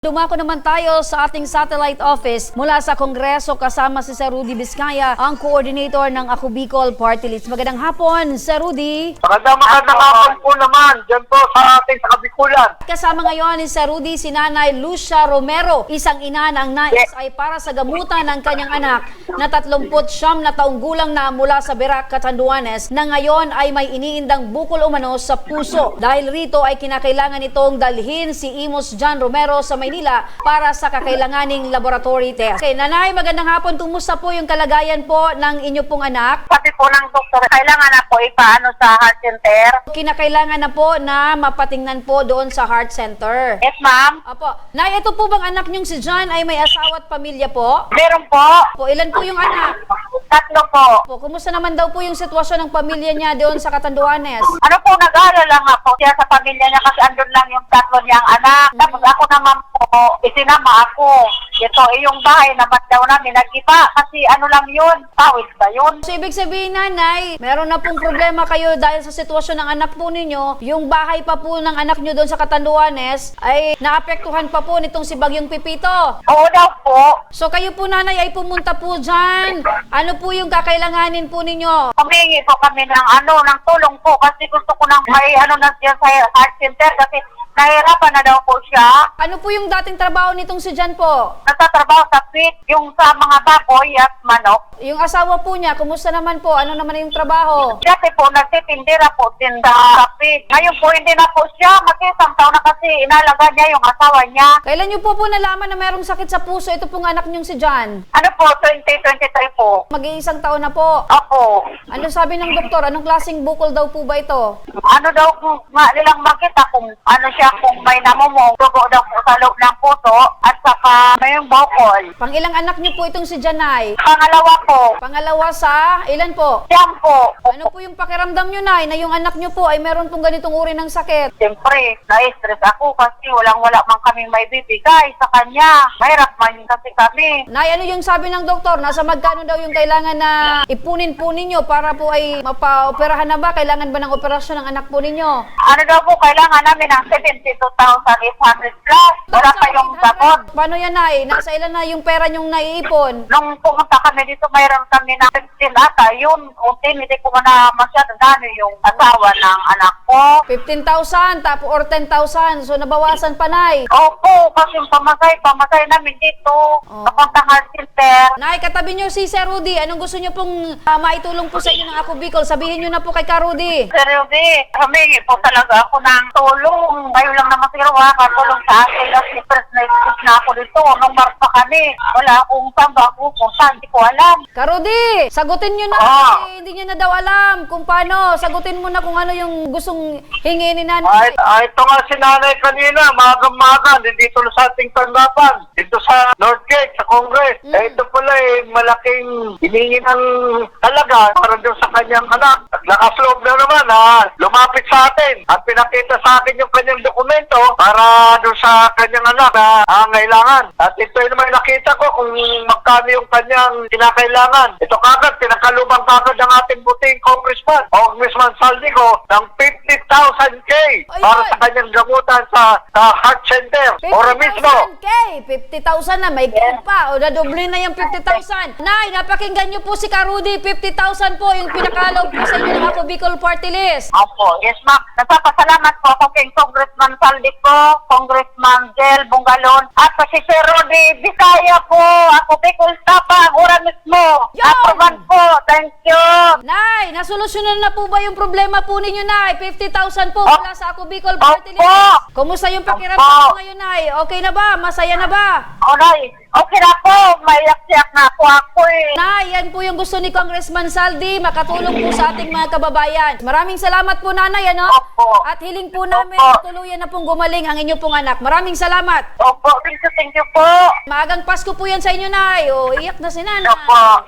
Dumako naman tayo sa ating satellite office mula sa Kongreso kasama si Sir Rudy Vizcaya, ang coordinator ng Ako Bicol Party List. Magandang hapon, Sir Rudy. Magandang hapon po naman dyan po sa ating Kabikulan. Kasama ngayon ni Sir Rudy si Nanay Lucia Romero, isang ina na ang nais ay para sa gamutan ng kanyang anak na 39 na taong gulang na mula sa Berac, Catanduanes, na ngayon ay may iniindang bukol umano sa puso. Dahil rito ay kinakailangan itong dalhin si Imos John Romero sa Maynila para sa kakailanganing laboratory test. Okay, Nanay, magandang hapon. Kumusta po yung kalagayan po ng inyo pong anak? Sabi po ng doktor, kailangan na po ipaano sa heart center. Kinakailangan na po na mapatingnan po doon sa heart center. Yes, ma'am. Apo. Nay, ito po bang anak niyong si John ay may asawa at pamilya po? Meron po. Po, ilan po yung anak? 3 po. Po, kumusta naman daw po yung sitwasyon ng pamilya niya doon sa Catanduanes? Ano po, nag-aalala nga po siya sa pamilya niya kasi andun lang yung 3 niyang anak. Tapos ako naman po, isinama ako. Ito, yung bahay naman daw namin nag-iba kasi ano lang yun, tawid ba yun? So, ibig sabihin, Nanay, meron na pong problema kayo dahil sa sitwasyon ng anak po ninyo. Yung bahay pa po ng anak niyo doon sa Catanduanes ay naapektuhan pa po nitong si Bagyong Pipito. Oo daw po. So, kayo po, Nanay, ay pumunta po dyan. Ano po yung kakailanganin po ninyo? Humingi po kami ng ng tulong po kasi gusto ko nang may na siya sa heart center kasi nahirapan na daw po siya. Ano po yung dating trabaho nitong si John po? Nagtatrabaho sa pit, yung sa mga baboy at manok. Yung asawa po niya, kumusta naman po? Ano naman yung trabaho? Dati po, nagtitindira po tinda sa pit. Ngayon po, hindi na po siya. Mag-isang taon na kasi inalaga niya yung asawa niya. Kailan niyo po nalaman na mayroong sakit sa puso? Ito pong anak niyong si John. Ano po, 2023 po. Mag-iisang taon na po. Opo. Ano sabi ng doktor? Anong klaseng bukol daw po ba ito? Ano daw kung nilang makita kung ano siya, kung may namumong dugo daw po sa loob ng puso at saka may yung bukol. Pang ilang anak niyo po itong si Janay? Pangalawa po, Pangalawa sa ilan po? siyam po. Ano po yung pakiramdam niyo, Nay, na yung anak niyo po ay meron pong ganitong uri ng sakit? Siyempre, na-stress ako kasi walang-wala man kami may bibigay sa kanya. Mahirap man kasi kami. Nay, ano yung sabi ng doktor? Nasa magkano daw yung kailangan na ipunin po ninyo para po ay mapa-operahan na ba? Kailangan ba ng operasyon ng anak po ninyo? Ano daw po, kailangan namin ng 72,800 plus. Wala pa yung sagot. Paano yan, Nay? Nasa ilan na yung pera nyong naiipon? Nung pumunta kami dito, mayroon kami ng 15 ata. Yun, unti, hindi ko na masyado dano yung asawa ng anak ko. 15,000 tapo or 10,000. So nabawasan pa, Nay. Opo, kasi yung pamasay namin dito. Kapuntang heart center. Nay, katabi nyo si Sir Rudy. Anong gusto nyo pong maitulong po sa inyo ng Ako Bicol? Sabihin nyo na po kay Ka Rudy. Seryosi, humingi po talaga ako ng tulong. Ngayon lang naman siguro makakatulong sa akin kasi first night na ako dito. Nung March pa kami, wala akong saan ba ako kung saan, hindi ko alam. Ka Rudy, sagutin nyo na. Kasi hindi nyo na daw alam kung paano. Sagutin mo na kung ano yung gustong hingin ni Nanay. Ito nga si nanay kanina, magang-maga, dito na sa ating tanggapan, dito sa North Gate, sa Congress. Ito pala malaking hiningi ng talaga para doon sa kanyang anak. Naglakas loob na naman lumapit sa atin at pinakita sa akin yung kanyang dokumento para doon sa kanyang anak na angailangan. At ito naman nakita ko kung magkano yung kanyang kinakailangan. Ito kagad, pinakalubang kagad ng ating buting Congressman Saldico ng 50,000K para sa kanyang gamutan sa heart center. Ora mismo. 50,000 na, may pa. O, nadoble na yung 50,000. Nay, napakinggan nyo po si Ka Rudy. 50,000 po yung pinakalaw po sa inyo ng Ako Bicol Party List. Opo, yes ma'am. Nagpapasalamat po ako kay Congressman Saldico, Congressman Jel Bungalon, at si Sir Rudy Vizcaya po. Ako Bicol Tapa, ora mismo. Yo! Aproban po. Thank you. Nay, nasolusyonan na po ba yung problema po ninyo, Nay? 50,000 po mula sa Ako Bicol Party Opo. List. Kumusta yung pakiramdam mo ngayon, Nay? Okay na ba? Masaya na ba? Alright. Okay na po. Maiyak-siyak na po ako Nay, yan po yung gusto ni Congressman Saldi, makatulong po sa ating mga kababayan. Maraming salamat po, Nanay, ano? Opo. At hiling po namin Opo. tuluyan na pong gumaling ang inyo pong anak. Maraming salamat. Opo, thank you po. Maagang Pasko po yan sa inyo, Nay. O, iyak na si Nanay. Opo.